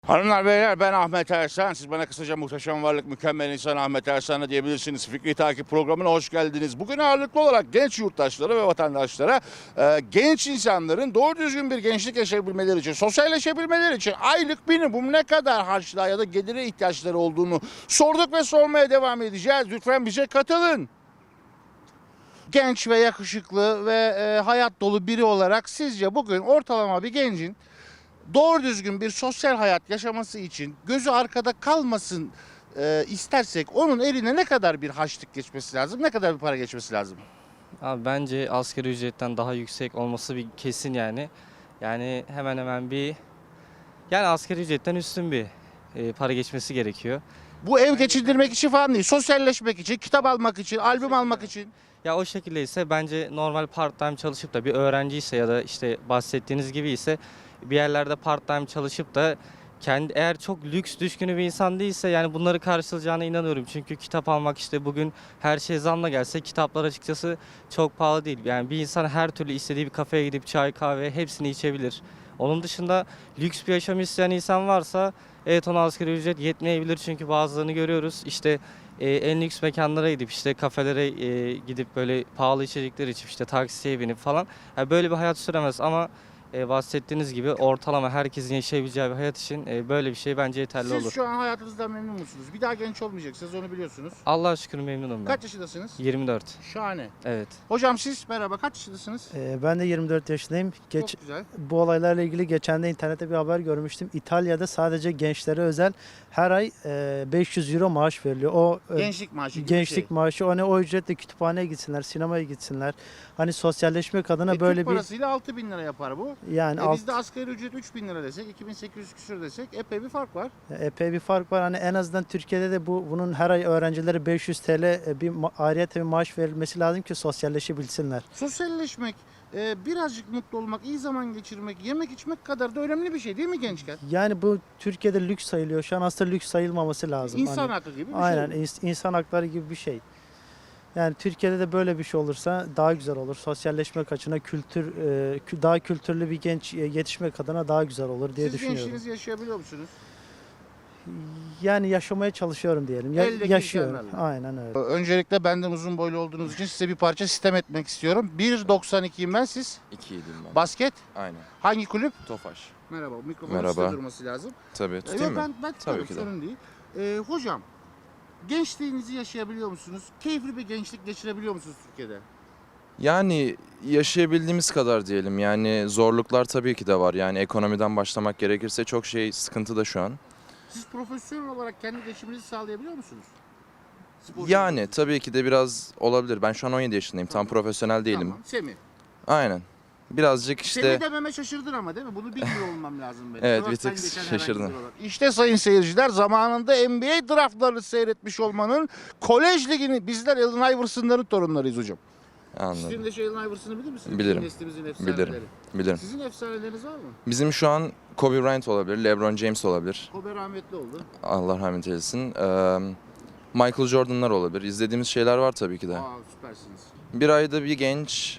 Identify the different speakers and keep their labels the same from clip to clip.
Speaker 1: Hanımlar beyler, ben Ahmet Ersan. Siz bana kısaca muhteşem varlık, mükemmel insan Ahmet Ersan'a diyebilirsiniz. Fikri Takip programına hoş geldiniz. Bugün ağırlıklı olarak genç yurttaşlara ve vatandaşlara genç insanların doğru düzgün bir gençlik yaşayabilmeleri için, sosyalleşebilmeleri için aylık minimum ne kadar harçlığa ya da gelire ihtiyaçları olduğunu sorduk ve sormaya devam edeceğiz. Lütfen bize katılın. Genç ve yakışıklı ve hayat dolu biri olarak sizce bugün ortalama bir gencin doğru düzgün bir sosyal hayat yaşaması için gözü arkada kalmasın istersek onun eline ne kadar bir harçlık geçmesi lazım, ne kadar bir para geçmesi lazım?
Speaker 2: Abi bence asgari ücretten daha yüksek olması bir kesin yani. Yani hemen hemen yani asgari ücretten üstün bir para geçmesi gerekiyor.
Speaker 1: Bu ev geçindirmek için falan değil, sosyalleşmek için, kitap almak için, albüm almak için.
Speaker 2: Ya o şekilde ise bence normal part-time çalışıp da bir öğrenci ise ya da işte bahsettiğiniz gibi ise bir yerlerde part-time çalışıp da eğer çok lüks düşkünü bir insan değilse yani bunları karşılayacağına inanıyorum. Çünkü kitap almak işte bugün her şey zamla gelse kitaplar açıkçası çok pahalı değil. Yani bir insan her türlü istediği bir kafeye gidip çay kahve hepsini içebilir. Onun dışında lüks bir yaşam isteyen insan varsa evet ona asgari ücret yetmeyebilir çünkü bazılarını görüyoruz. İşte en lüks mekanlara gidip işte kafelere gidip böyle pahalı içecekler içip işte taksiye binip falan yani böyle bir hayat süremez ama bahsettiğiniz gibi ortalama herkesin yaşayabileceği bir hayat için böyle bir şey bence yeterli
Speaker 1: Siz
Speaker 2: olur.
Speaker 1: şu an hayatınızdan memnun musunuz? Bir daha genç olmayacaksınız, onu biliyorsunuz.
Speaker 2: Allah'a şükür memnunum ben.
Speaker 1: Kaç yaşındasınız?
Speaker 2: 24.
Speaker 1: Şahane.
Speaker 2: Evet.
Speaker 1: Hocam siz merhaba, kaç yaşındasınız?
Speaker 3: Ben de 24 yaşındayım.
Speaker 1: Çok güzel.
Speaker 3: Bu olaylarla ilgili geçen de internette bir haber görmüştüm. İtalya'da sadece gençlere özel her ay 500 euro maaş veriliyor.
Speaker 1: Gençlik maaşı gibi
Speaker 3: gençlik
Speaker 1: bir şey.
Speaker 3: maaşı. O ücretle kütüphaneye gitsinler, sinemaya gitsinler. Hani sosyalleşmek adına böyle
Speaker 1: Türk
Speaker 3: bir
Speaker 1: parasıyla 6.000 lira yapar bu.
Speaker 3: yani
Speaker 1: Bizde asgari ücret 3.000 lira desek, 2.800 küsür desek epey bir fark var.
Speaker 3: epey bir fark var. Hani en azından Türkiye'de de bunun her ay öğrencilere 500 TL ayrıyeten bir maaş verilmesi lazım ki sosyalleşebilsinler.
Speaker 1: Sosyalleşmek, birazcık mutlu olmak, iyi zaman geçirmek, yemek içmek kadar da önemli bir şey değil mi gençken?
Speaker 3: Yani bu Türkiye'de lüks sayılıyor. Şu an aslında lüks sayılmaması lazım.
Speaker 1: İnsan
Speaker 3: Hani,
Speaker 1: hakkı gibi bir
Speaker 3: aynen
Speaker 1: şey.
Speaker 3: insan hakları gibi bir şey. Yani Türkiye'de de böyle bir şey olursa daha güzel olur. Sosyalleşmek açısından daha kültürlü bir genç yetişmek adına daha güzel olur diye
Speaker 1: Siz
Speaker 3: düşünüyorum.
Speaker 1: gençliğinizi yaşayabiliyor musunuz?
Speaker 3: Yani yaşamaya çalışıyorum diyelim.
Speaker 1: Eldeki
Speaker 3: Yaşıyorum.
Speaker 1: imkanlarla.
Speaker 3: Aynen öyle.
Speaker 1: Öncelikle benden uzun boylu olduğunuz için size bir parça sitem etmek istiyorum. 1.92'yim ben, siz?
Speaker 4: 2'ydim ben.
Speaker 1: Basket?
Speaker 4: Aynen.
Speaker 1: Hangi kulüp?
Speaker 4: Tofaş.
Speaker 1: Merhaba, mikrofonun
Speaker 4: Merhaba.
Speaker 1: üstte durması lazım.
Speaker 4: Tabii tutayım mı?
Speaker 1: Ben tutarım,
Speaker 4: Tabii ki de.
Speaker 1: sorun değil. Hocam, gençliğinizi yaşayabiliyor musunuz? Keyifli bir gençlik geçirebiliyor musunuz Türkiye'de?
Speaker 4: Yani yaşayabildiğimiz kadar diyelim. Yani zorluklar tabii ki de var. Yani ekonomiden başlamak gerekirse çok sıkıntı da şu an.
Speaker 1: Siz profesyonel olarak kendi geçiminizi sağlayabiliyor musunuz?
Speaker 4: Yani tabii ki de biraz olabilir. Ben şu an 17 yaşındayım. Tam
Speaker 1: Tamam.
Speaker 4: profesyonel değilim.
Speaker 1: Tamam. Semih.
Speaker 4: Aynen. Birazcık
Speaker 1: Semih
Speaker 4: işte
Speaker 1: dememe şaşırdın ama değil mi? Bunu bilmiyor olmam lazım benim.
Speaker 4: Evet, bir
Speaker 1: Sokaktan
Speaker 4: tık
Speaker 1: geçen herhangi
Speaker 4: şaşırdım.
Speaker 1: biri olarak. İşte sayın seyirciler, zamanında NBA draftlarını seyretmiş olmanın kolej ligini, bizler Allen Iverson'ların torunlarıyız hocam.
Speaker 4: anladım.
Speaker 1: Sizin de Allen Iverson'ı bilir misiniz?
Speaker 4: Bilirim.
Speaker 1: Bizim neslimizin efsaneleri.
Speaker 4: Bilirim.
Speaker 1: Sizin efsaneleriniz var mı?
Speaker 4: Bizim şu an Kobe Bryant olabilir, LeBron James olabilir.
Speaker 1: Kobe rahmetli oldu.
Speaker 4: Allah rahmet eylesin. Michael Jordan'lar olabilir. İzlediğimiz şeyler var tabii ki de.
Speaker 1: Aa, süpersiniz.
Speaker 4: Bir ayda bir genç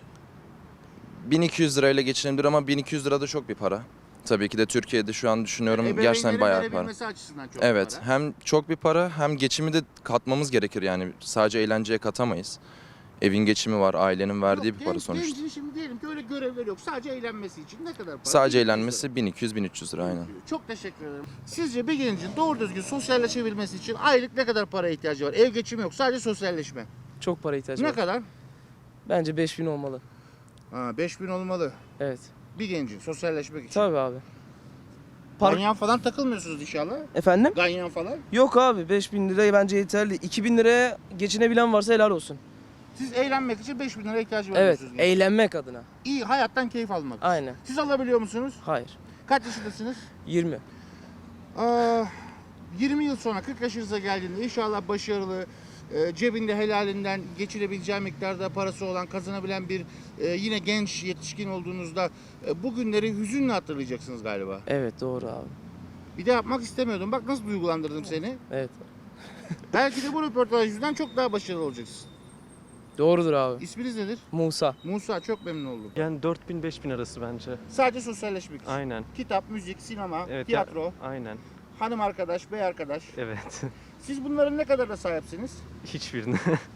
Speaker 4: 1200 lirayla geçinebilir ama 1200 lira da çok bir para. Tabii ki de Türkiye'de şu an düşünüyorum gerçekten
Speaker 1: Ebeveynlerin
Speaker 4: bayağı bir para.
Speaker 1: verebilmesi açısından çok
Speaker 4: Evet,
Speaker 1: para.
Speaker 4: hem çok bir para hem geçimi de katmamız gerekir yani sadece eğlenceye katamayız. Evin geçimi var, ailenin verdiği
Speaker 1: Yok,
Speaker 4: bir para sonuçta.
Speaker 1: Gencin şimdi diyelim ki öyle görevleri yok. Sadece eğlenmesi için ne kadar para?
Speaker 4: Sadece
Speaker 1: 1200 lira.
Speaker 4: eğlenmesi 1200-1300 lira aynen.
Speaker 1: Çok teşekkür ederim. Sizce bir gencin doğru düzgün sosyalleşebilmesi için aylık ne kadar para ihtiyacı var? Ev geçimi yok, sadece sosyalleşme.
Speaker 5: Çok para ihtiyacı
Speaker 1: Ne
Speaker 5: var.
Speaker 1: kadar?
Speaker 5: Bence 5000 olmalı.
Speaker 1: 5.000 olmalı.
Speaker 5: Evet.
Speaker 1: Bir gencin sosyalleşmek için.
Speaker 5: Tabii abi. Park...
Speaker 1: Ganyan falan takılmıyorsunuz inşallah.
Speaker 5: Efendim?
Speaker 1: Ganyan falan.
Speaker 5: Yok abi 5000 liraya bence yeterli. 2000 liraya geçinebilen varsa helal olsun.
Speaker 1: Siz eğlenmek için 5.000 lira ihtiyacı var
Speaker 5: Evet.
Speaker 1: diyorsunuz.
Speaker 5: Eğlenmek adına.
Speaker 1: İyi, hayattan keyif almak için.
Speaker 5: Aynen.
Speaker 1: Siz alabiliyor musunuz?
Speaker 5: Hayır.
Speaker 1: Kaç yaşındasınız?
Speaker 5: 20.
Speaker 1: 20 yıl sonra 40 yaşınıza geldiğinde inşallah başarılı, cebinde helalinden geçirebileceği miktarda parası olan, kazanabilen bir yine genç yetişkin olduğunuzda bu günleri hüzünle hatırlayacaksınız galiba.
Speaker 5: Evet doğru abi.
Speaker 1: Bir de yapmak istemiyordum. Bak nasıl duygulandırdım seni.
Speaker 5: Evet.
Speaker 1: Belki de bu röportaj yüzünden çok daha başarılı olacaksın.
Speaker 5: Doğrudur abi.
Speaker 1: İsminiz nedir?
Speaker 5: Musa.
Speaker 1: Musa, çok memnun oldum.
Speaker 6: Yani 4000-5000 arası bence.
Speaker 1: Sadece sosyalleşmek için.
Speaker 6: Aynen.
Speaker 1: Kitap, müzik, sinema,
Speaker 6: Evet,
Speaker 1: tiyatro.
Speaker 6: aynen.
Speaker 1: hanım arkadaş, bey arkadaş.
Speaker 6: Evet.
Speaker 1: Siz bunların ne kadarına sahipsiniz?
Speaker 6: Hiçbirine.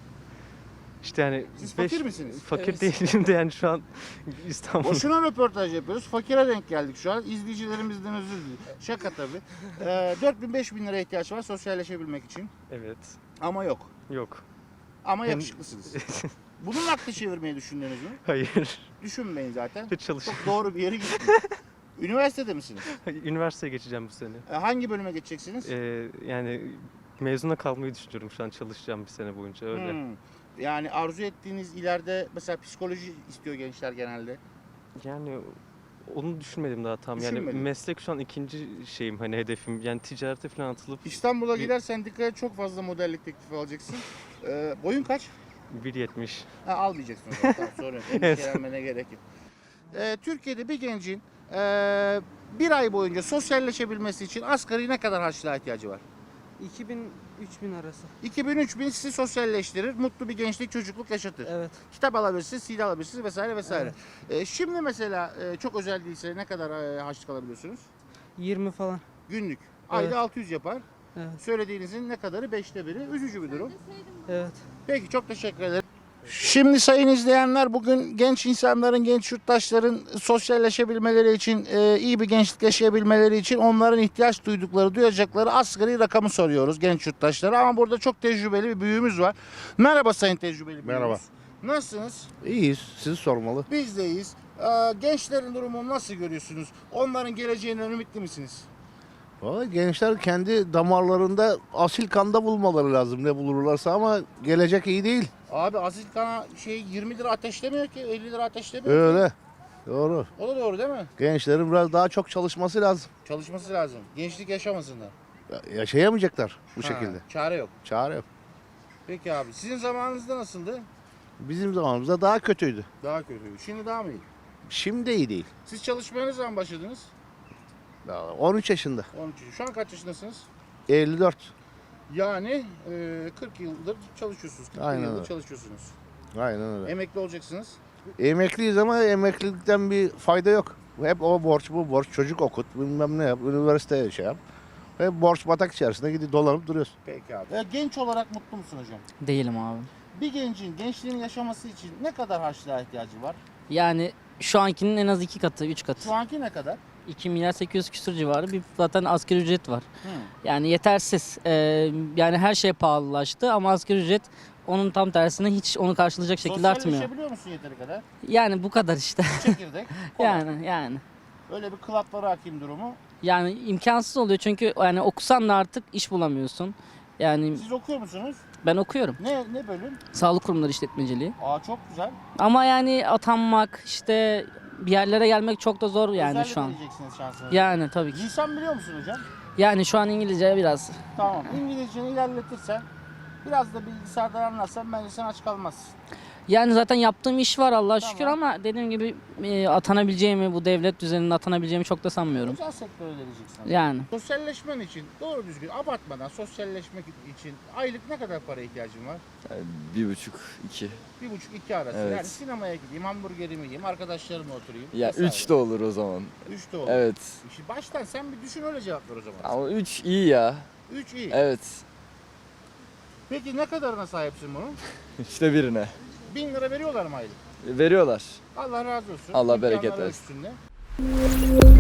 Speaker 6: İşte yani
Speaker 1: Siz fakir misiniz?
Speaker 6: fakir değilim de yani şu an İstanbul.
Speaker 1: Boşuna röportaj yapıyoruz. Fakire denk geldik şu an. İzleyicilerimizden özür dilerim. Şaka tabii. 4000-5000 liraya ihtiyaç var sosyalleşebilmek için.
Speaker 6: Evet.
Speaker 1: Ama yok.
Speaker 6: Yok.
Speaker 1: Ama
Speaker 6: Hem-
Speaker 1: yakışıklısınız. Bunun aklı çevirmeyi düşündünüz mü?
Speaker 6: Hayır.
Speaker 1: Düşünmeyin zaten.
Speaker 6: Hiç çalış.
Speaker 1: Çok doğru bir yere gittiniz. Üniversitede misiniz?
Speaker 6: Üniversiteye geçeceğim bu sene.
Speaker 1: Hangi bölüme geçeceksiniz?
Speaker 6: Yani mezuna kalmayı düşünüyorum şu an, çalışacağım bir sene boyunca öyle.
Speaker 1: Yani arzu ettiğiniz ileride mesela psikoloji istiyor gençler genelde.
Speaker 6: Yani onu düşünmedim daha tam. Yani
Speaker 1: Düşünmedin.
Speaker 6: meslek şu an ikinci şeyim, hani hedefim. Yani ticarete falan atılıp
Speaker 1: İstanbul'a
Speaker 6: Bir-
Speaker 1: gidersen dikkat et, çok fazla modellik teklifi alacaksın. Boyun kaç?
Speaker 6: 1.70.
Speaker 1: Almayacaksın o zaman. Tamam, sorun yok. Endişelenmene gerek yok. Türkiye'de bir gencin bir ay boyunca sosyalleşebilmesi için asgari ne kadar harçlığa ihtiyacı var?
Speaker 7: 2000-3000 arası.
Speaker 1: 2000-3000 sizi sosyalleştirir, mutlu bir gençlik, çocukluk yaşatır.
Speaker 7: Evet.
Speaker 1: Kitap alabilirsiniz, CD alabilirsiniz vesaire vesaire. Şimdi mesela çok özel değilse ne kadar harçlık alabiliyorsunuz?
Speaker 7: 20 falan.
Speaker 1: Günlük. Ayda
Speaker 7: Evet.
Speaker 1: 600 yapar.
Speaker 7: Evet.
Speaker 1: Söylediğinizin ne kadarı? 5'te 1'i. Üzücü bir durum.
Speaker 7: Evet.
Speaker 1: Peki, çok teşekkür ederim. Şimdi sayın izleyenler, bugün genç insanların, genç yurttaşların sosyalleşebilmeleri için, iyi bir gençlik yaşayabilmeleri için onların ihtiyaç duydukları, duyacakları asgari rakamı soruyoruz genç yurttaşlara. Ama burada çok tecrübeli bir büyüğümüz var. Merhaba sayın tecrübeli büyüğümüz.
Speaker 8: Merhaba.
Speaker 1: Nasılsınız?
Speaker 8: İyiyiz. Sizi sormalı.
Speaker 1: Biz de iyiyiz. Gençlerin durumunu nasıl görüyorsunuz? Onların geleceğinden ümitli misiniz?
Speaker 8: Vallahi gençler kendi damarlarında asil kanda bulmaları lazım ne bulurlarsa ama gelecek iyi değil.
Speaker 1: Abi asil kana 20 lira ateşlemiyor ki, 50 lira ateşlemiyor ki.
Speaker 8: Öyle. Doğru.
Speaker 1: O da doğru değil mi?
Speaker 8: Gençlerin biraz daha çok çalışması lazım.
Speaker 1: Çalışması lazım. Gençlik yaşamasınlar.
Speaker 8: Yaşayamayacaklar bu
Speaker 1: Ha,
Speaker 8: şekilde.
Speaker 1: Çare yok.
Speaker 8: Çare yok.
Speaker 1: Peki abi, sizin zamanınızda nasıldı?
Speaker 8: Bizim zamanımızda daha kötüydü.
Speaker 1: Daha kötüydü. Şimdi daha mı iyi?
Speaker 8: Şimdi iyi değil.
Speaker 1: Siz çalışmaya ne zaman başladınız?
Speaker 8: Daha 13 yaşında.
Speaker 1: 13. Şu an kaç yaşındasınız?
Speaker 8: 54.
Speaker 1: Yani 40 yıldır çalışıyorsunuz. 40
Speaker 8: Aynen
Speaker 1: yıldır
Speaker 8: öyle.
Speaker 1: çalışıyorsunuz.
Speaker 8: Aynen öyle.
Speaker 1: Emekli olacaksınız.
Speaker 8: Emekliyiz ama emeklilikten bir fayda yok. Hep o borç bu borç. Çocuk okut bilmem ne yap. Üniversiteye şey yap. Hep borç batak içerisinde gidip dolanıp duruyorsun.
Speaker 1: Peki abi. Genç olarak mutlu musun hocam?
Speaker 9: Değilim abi.
Speaker 1: Bir gencin gençliğini yaşaması için ne kadar harçlığa ihtiyacı var?
Speaker 9: Yani şu ankinin en az 2 katı, 3 katı.
Speaker 1: Şu anki ne kadar?
Speaker 9: 2 milyar 800 küsur civarı bir zaten asgari ücret var.
Speaker 1: Hı.
Speaker 9: Yani yetersiz. Yani her şey pahalılaştı ama asgari ücret onun tam tersine hiç onu karşılayacak şekilde artmıyor.
Speaker 1: Sosyalleşebiliyor musun yeteri kadar?
Speaker 9: Yani bu kadar işte.
Speaker 1: Çekirdek. kola.
Speaker 9: yani.
Speaker 1: Öyle bir klaplara hakim durumu.
Speaker 9: Yani imkansız oluyor çünkü yani okusan da artık iş bulamıyorsun. Yani
Speaker 1: Siz okuyor musunuz?
Speaker 9: ben okuyorum.
Speaker 1: Ne bölüm?
Speaker 9: Sağlık kurumları işletmeciliği.
Speaker 1: Çok güzel.
Speaker 9: Ama yani atanmak işte bir yerlere gelmek çok da zor yani
Speaker 1: Özellikle
Speaker 9: şu an.
Speaker 1: deneyeceksiniz şansınızı.
Speaker 9: Yani tabii ki.
Speaker 1: Lisan biliyor musun hocam?
Speaker 9: Yani şu an İngilizce biraz.
Speaker 1: Tamam. İngilizceni ilerletirsen, biraz da bilgisayardan anlarsan bence sen aç kalmazsın.
Speaker 9: Yani zaten yaptığım iş var Allah'a
Speaker 1: Tamam.
Speaker 9: şükür ama dediğim gibi atanabileceğimi, bu devlet düzeninde atanabileceğimi çok da sanmıyorum.
Speaker 1: Özel sektöre deneyeceksin.
Speaker 9: Yani
Speaker 1: Sosyalleşmen için doğru düzgün abartmadan sosyalleşmek için aylık ne kadar para ihtiyacın var?
Speaker 10: 1,5-2.
Speaker 1: 1,5-2 arası.
Speaker 10: Evet.
Speaker 1: Yani sinemaya gideyim, hamburgerimi yiyeyim, arkadaşlarımla oturayım.
Speaker 10: Ya
Speaker 1: vesaire.
Speaker 10: 3 de olur o zaman.
Speaker 1: 3 de olur.
Speaker 10: Evet.
Speaker 1: Şimdi baştan sen bir düşün, öyle cevap ver o zaman.
Speaker 10: Ama 3 iyi ya.
Speaker 1: 3 iyi.
Speaker 10: Evet.
Speaker 1: Peki ne kadarına sahipsin bunun?
Speaker 10: İşte birine.
Speaker 1: 1000 lira veriyorlar mı aylık?
Speaker 10: Veriyorlar.
Speaker 1: Allah razı olsun.
Speaker 10: Allah
Speaker 1: İmkanları
Speaker 10: bereket versin.
Speaker 1: üstünde.